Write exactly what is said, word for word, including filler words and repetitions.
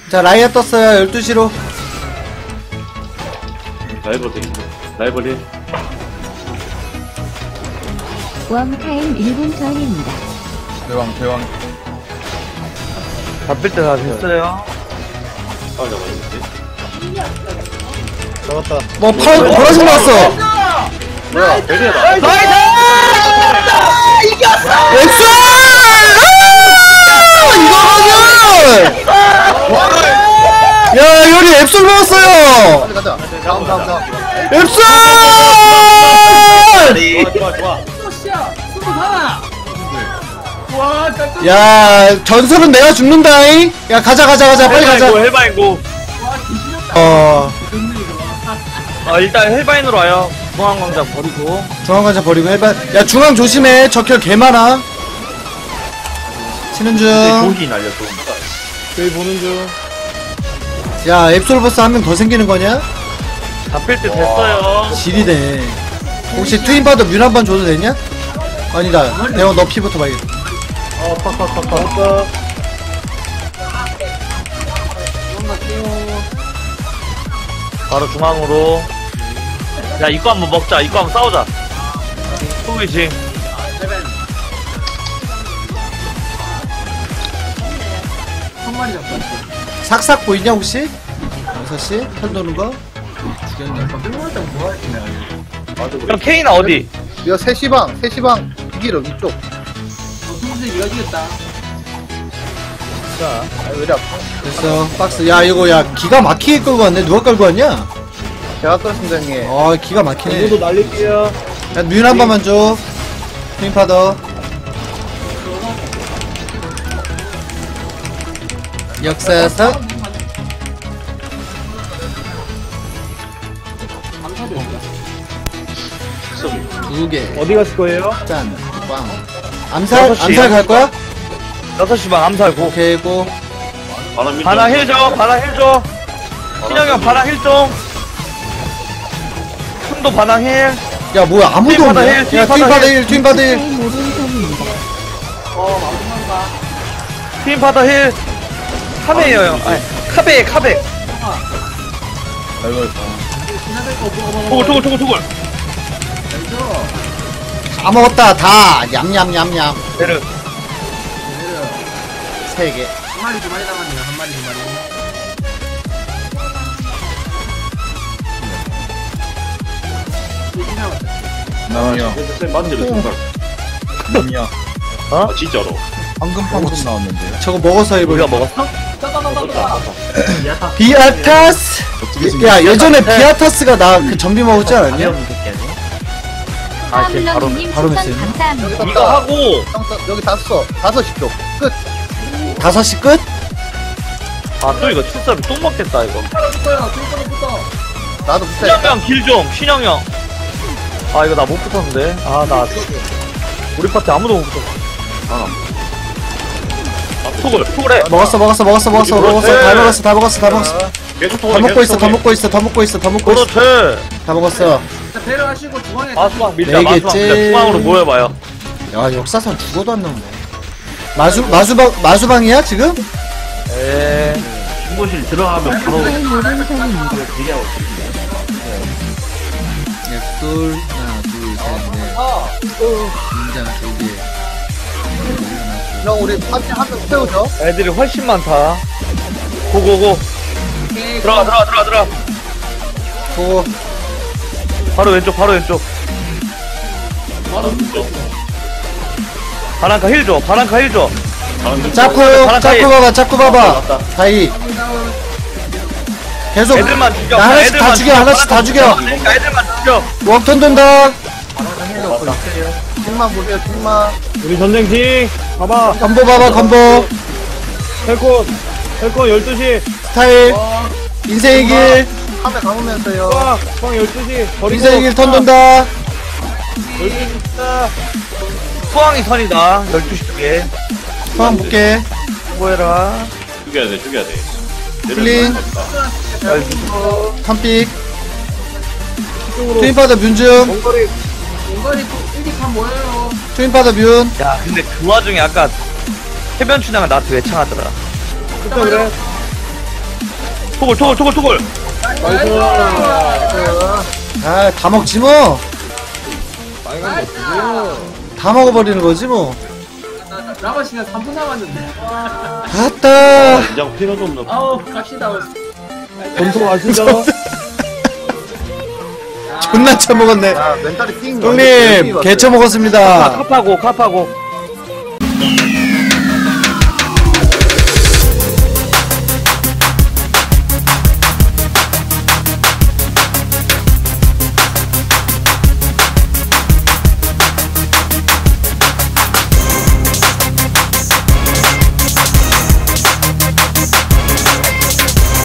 자 라이어 떴어요. 열두 시로 라이벌 돼. 라이벌 일. 웜타임 일 분 전입니다. 대왕 대왕 잡힐 때 다 됐어요. 아, 잡았는데. 잡았다. 뭐 파란 보라색 나왔어. 뭐야? 베리야다. 엑스! 이거는! 야 요리 앱솔 먹었어요. 빨리 가자. 다음 다음 다음. 앱솔! 좋아, 좋아, 좋아. 야 전설은 내가 죽는다잉. 야 가자 가자 가자 빨리 가자. 헬바인고. 어 아 일단 헬바인으로 와요. 중앙광장 버리고. 중앙관자 버리고 해봐. 야 중앙 조심해. 적혈 개 많아. 치는 중. 조기 날렸어. 저희 보는 중. 야 앱솔 버스 한 명 더 생기는 거냐? 잡힐 때 됐어요. 지리네. 혹시 트윈파더 뮤 한 번 줘도 되냐? 아니다. 대원 너 피부터 봐야겠다. 어 팍팍팍팍. 바로 중앙으로. 야 이거 한번 먹자. 이거 한번 싸우자. 소위지. 삭삭 보이냐 혹시? 여섯시 편 도는 거? 그럼 케이나 어디? 이거 세시방 세시방 이기로 이쪽. 자, 아, 왜 이리 아파? 됐어 박스. 야 이거 야 기가 막히게 끌고 왔네. 누가 끌고 왔냐? 제가 떴습니다 형님. 어 기가 막히네. 날릴게요. 야 뮤 한 번만 줘. 트윈파더 역사석 두개 어디 갔을 거예요? 짠. 빵. 암살 여섯 시. 암살 갈 거야? 여섯 시 반 암살 고. 오케이 고. 바람 밀 바나 힐 줘. 바나 힐 줘. 신영이 형 바나 힐 좀. 흠도 바나 힐. 야 뭐야 아무도 트윈파더 없네. 힐, 야 트윈파더 트윈파더 힐. 일 트윈파더 일. 타임 오 분 전입니다. 팀파더 힐. 카베예요 형. 아니 카베 카베. 아이고. 토글 토글 토글 토글. 다 먹었다 다. 얌얌얌얌. 베르. 세 개. 한 마리 두 마리 남았네요. 한 마리 두 마리. 나와요. 쌤 맞은 대로 정말. 남이야. 아, 진짜로. 방금 방금 나왔는데요. 저거 먹어서 우리가 해볼. 먹었어? 비아타스. 야 예전에 비아타스가 나 그 전비 먹었지 않았냐? 아, 걔 바로 하블런님 바로 추천 메시지. 감사합니다. 이거 하고 형, 써- 여기 다 써. 다섯 시 쪽. 끝. 다섯 시 끝? 아 또 이거 칠섭이 똥 먹겠다 이거. 나도 붙어. 신영이 형길좀 신영이 형. 아 이거 나 못 붙었는데. 아 나 우리 파티 아무도 못 붙었어. 아, 토글. 토글해. 먹었어 먹었어 먹었어 먹었어 먹었어 다 먹었어 다 먹었어 다 먹었어. 계속 다 토글. 먹고 있어 다 먹고 있어 다 먹고 있어 다 먹고 있어 그렇지. 다 먹었어. 자, 배려하시고 중앙에 마수방 밀자 네 마수방 개째. 밀자. 중앙으로 모여봐요. 야 역사상 죽어도 안 나오네. 마수 마수방 마수방이야 지금? 에. 신고실 들어가면 바로 타임 오 분 전입니다. 앱돌 하나 둘셋넷 인장 두 개. 형 우리 파티 한 명 태우죠. 애들이 훨씬 많다. 고고고. 들어가 들어가 들어가 들어가. 고. 바로 왼쪽 바로 왼쪽. 바람카 힐 줘. 바람카 힐 줘. 짜쿠 바람 짜쿠 사이. 봐봐 짜쿠 봐봐. 다이. 계속 애들만 죽여. 나 하나씩 다 애들만 죽여 하나씩 다 죽여. 그러니까 애들만 죽여. 웜턴 된다. 팀만 보세요. 팀만. 우리 전쟁팀 봐봐. 건보 봐봐 건보. 헬코 헬코 열두 시 스타일. 인생의 길. 카메 감으면서요. 와, 방 열두 시 버리고 인생의 길 턴 돈다. 수왕이 선이다. 열두 시 쪽에. 소환 볼게. 뭐해라. 죽여야 돼, 죽여야 돼. 플린. 턴픽. 트윈파더 뮤즘. 원거리 원거리 일기판 모여요. 트윈파더 뮤. 야 근데 그 와중에 아까 해변 춘향은 나한테 왜 창하더라. 진짜 그래. 토글 토글 토글 토글. 나이스. 아, 다 먹지 뭐. 빨간 거 주세요. 다 먹어버리는 거지 뭐. 남은 시간 삼 분 남았는데. 아따. 인장 필요도 없는. 아우 갑시다. 전송하시죠. 존나 처먹었네. 야 멘탈이 띵. 형님, 개처 먹었습니다. 카파고 카파고.